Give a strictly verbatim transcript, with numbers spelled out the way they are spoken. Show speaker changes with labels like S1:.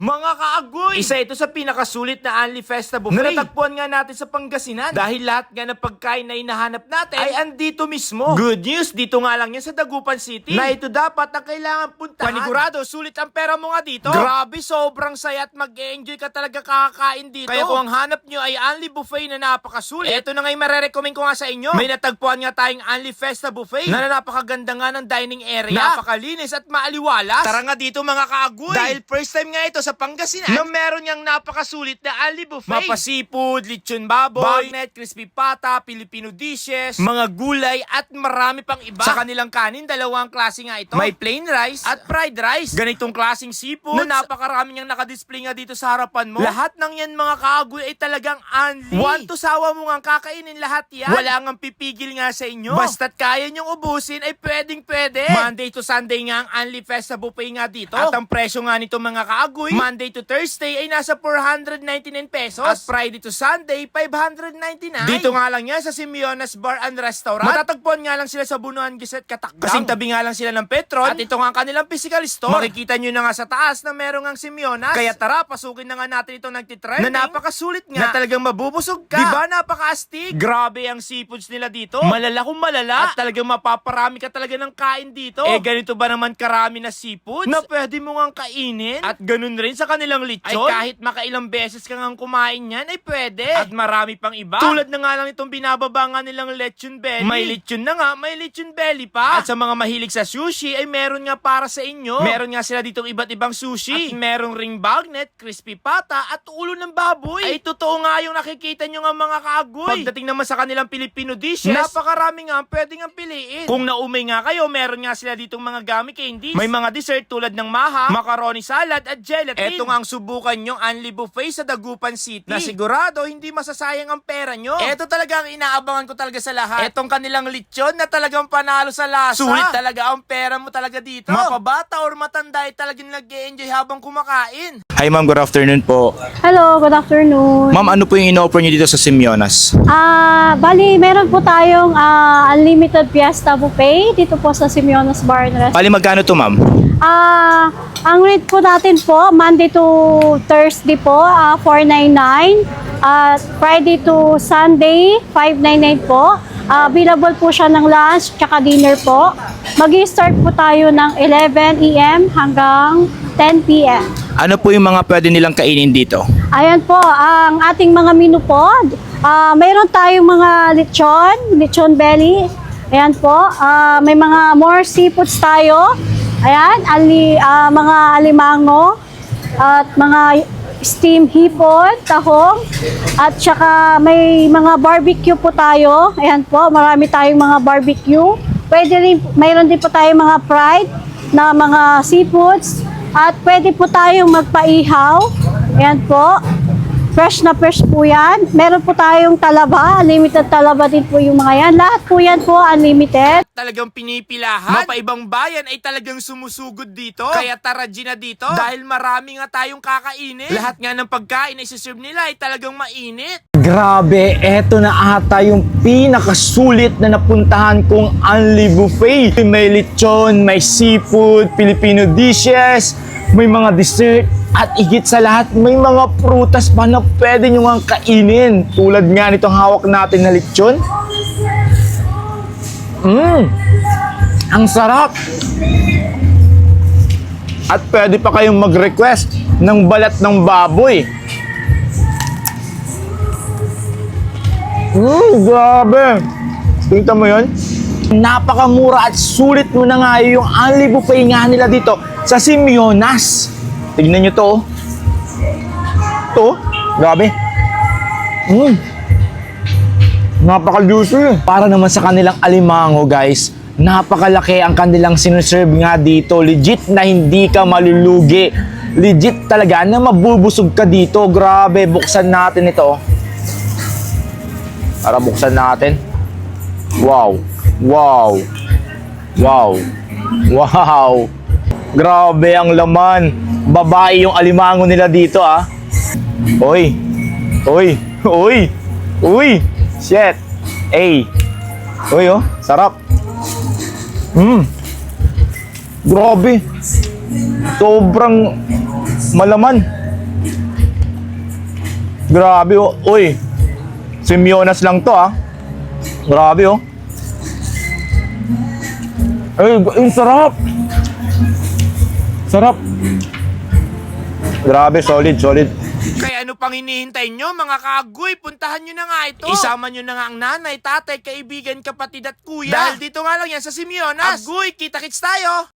S1: Mga kaagoy! Isa ito sa pinakasulit na Unli Festa Buffet na natagpuan nga natin sa Pangasinan. Dahil lahat nga ng pagkain na hinahanap natin ay andito mismo. Good news, dito nga lang yan sa Dagupan City. Na ito dapat ang kailangan puntahan. Panigurado, sulit ang pera mo nga dito. Grabe, sobrang saya at mag-e-enjoy ka talaga kakakain dito. Kaya kung ang hanap nyo ay Unli Buffet na napakasulit, eto na nga yung marerecommend ko nga sa inyo. May natagpuan nga tayong Unli Festa Buffet na napakaganda nga ng dining area. Napakalinis at maaliwalas. Tara nga dito mga kaagoy. Dahil first time nga ito sa Pangasinan na meron niyang napakasulit na Unli Buffet. Mapa seafood, lechon baboy, bagnet, crispy pata, Filipino dishes, mga gulay at marami pang iba. Sa kanilang kanin, dalawang klase nga ito. May plain rice at fried rice. Ganitong klaseng seafood na napakarami niyang nakadisplay nga dito sa harapan mo. Lahat ng yan mga kaagoy ay talagang Unli. One to sawa mo nga kakainin lahat yan. Wala nga pipigil nga sa inyo. Basta't kaya niyong ubusin ay pwedeng pwede. Monday to Sunday nga ang Unli Festa Buffet nga dito. At ang presyo nga nito mga kaagoy, Monday to Thursday ay nasa four hundred ninety-nine pesos. At Friday to Sunday, five hundred ninety-nine. Dito nga lang yan sa Simeonas Bar and Restaurant. Matatagpuan nga lang sila sa Bunuan Giset, Katakgang. Kasing tabi nga lang sila ng Petron. At ito nga ang kanilang physical store. Makikita nyo na nga sa taas na meron ang Simeonas. Kaya tara, pasukin na nga natin ito nagtitrending. Na napakasulit nga. Na talagang mabubusog ka. Diba napaka-astig? Grabe ang seafoods nila dito. Malala kung malala. At talagang mapaparami ka talaga ng kain dito. Eh ganito ba naman karami na seafoods na pwede mo nga kainin? At ganun rin sa kanilang lechon. Ay kahit makailang beses ka nga kumain yan, ay pwede. At marami pang iba. Tulad na nga lang itong binababa nga nilang lechon belly. May lechon na nga, may lechon belly pa. At sa mga mahilig sa sushi, ay meron nga para sa inyo. Meron nga sila ditong iba't ibang sushi. At merong ring bagnet, crispy pata, at ulo ng baboy. Ay totoo nga yung nakikita nyo nga mga kaagoy. Pagdating naman sa kanilang Filipino dishes, napakarami nga pwede nga piliin. Kung naumay nga kayo, meron nga sila ditong mga gummy candies. May mga dessert tulad ng maha, macaroni salad, at gelatin. Eto nga ang subukan nyong Unli Buffet sa Dagupan City. Na sigurado hindi masasayang ang pera nyo. Eto talaga ang inaabangan ko talaga sa lahat. Etong kanilang lechon na talagang panalo sa lasa. Sulit talaga ang pera mo talaga dito. Mapabata or matanda ay talagang nag-e-enjoy habang kumakain.
S2: Hi ma'am, good afternoon po.
S3: Hello, good afternoon.
S2: Ma'am, ano po yung ino-offer niyo dito sa Simeonas?
S3: Ah, bali, meron po tayong ah, unlimited Fiesta Buffet dito po sa Simeonas Bar and Restaurant.
S2: Bali, magkano to ma'am?
S3: Ah, ang rate po natin po, Monday to Thursday po, ah, four ninety-nine. At Friday to Sunday, five ninety-nine po. Ah, available po siya ng lunch tsaka dinner po. Mag-i-start po tayo ng eleven a m hanggang ten p m
S2: Ano po yung mga pwede nilang kainin dito?
S3: Ayan po, ang ating mga menu po. Ah, mayroon tayong mga lechon, lechon belly. Ayan po, ah, may mga more seafoods tayo. Ayan, ali, ah, mga alimango at mga steam hipon, tahong, at saka may mga barbecue po tayo. Ayan po, marami tayong mga barbecue. Pwede rin, mayroon din po tayong mga fried na mga seafoods. At pwede po tayong magpaihaw. Ayan po. Fresh na fresh po yan. Meron po tayong talaba. Unlimited talaba din po yung mga yan. Lahat po yan po unlimited.
S1: Talagang pinipilahan. Mapaibang bayan ay talagang sumusugod dito. Kaya tara G na dito. Dahil marami nga tayong kakainin. Lahat nga ng pagkain na isi-serve nila ay talagang mainit.
S2: Grabe, eto na ata yung pinakasulit na napuntahan kong Unli Buffet. May lechon, may seafood, Filipino dishes, may mga dessert, at higit sa lahat, may mga prutas pa na pwede nyo nga kainin. Tulad nga nitong hawak natin na lechon. Mmm, ang sarap! At pwede pa kayong mag-request ng balat ng baboy. Mmm, grabe! Tingnan mo yun? Napakamura at sulit mo na nga yung Unli Buffet nga nila dito sa Simeonas. Tignan nyo to. To, grabe. Mmm. Napaka-juicy. Para naman sa kanilang alimango, guys, napakalaki ang kanilang sinuserve nga dito. Legit na hindi ka malulugi. Legit talaga na mabubusog ka dito. Grabe, buksan natin ito. Para buksan natin. Wow. Wow. Wow. Wow. Grabe ang laman. Babae yung alimango nila dito, ah. Oy. Oy. Oy. Uy. Shit. Ay. Uy, oh. Sarap. Hmm. Grabe. Sobrang malaman. Grabe oh. Uy, Semyonas lang to ah. Grabe oh. Ay, yung sarap. Sarap. Grabe, solid, solid.
S1: Kaya ano pang hinihintay nyo mga kaagoy? Puntahan nyo na nga ito. Isama nyo na nga ang nanay, tatay, kaibigan, kapatid at kuya. Dahil dito nga lang yan sa Semyonas. Agoy, kita-kits tayo!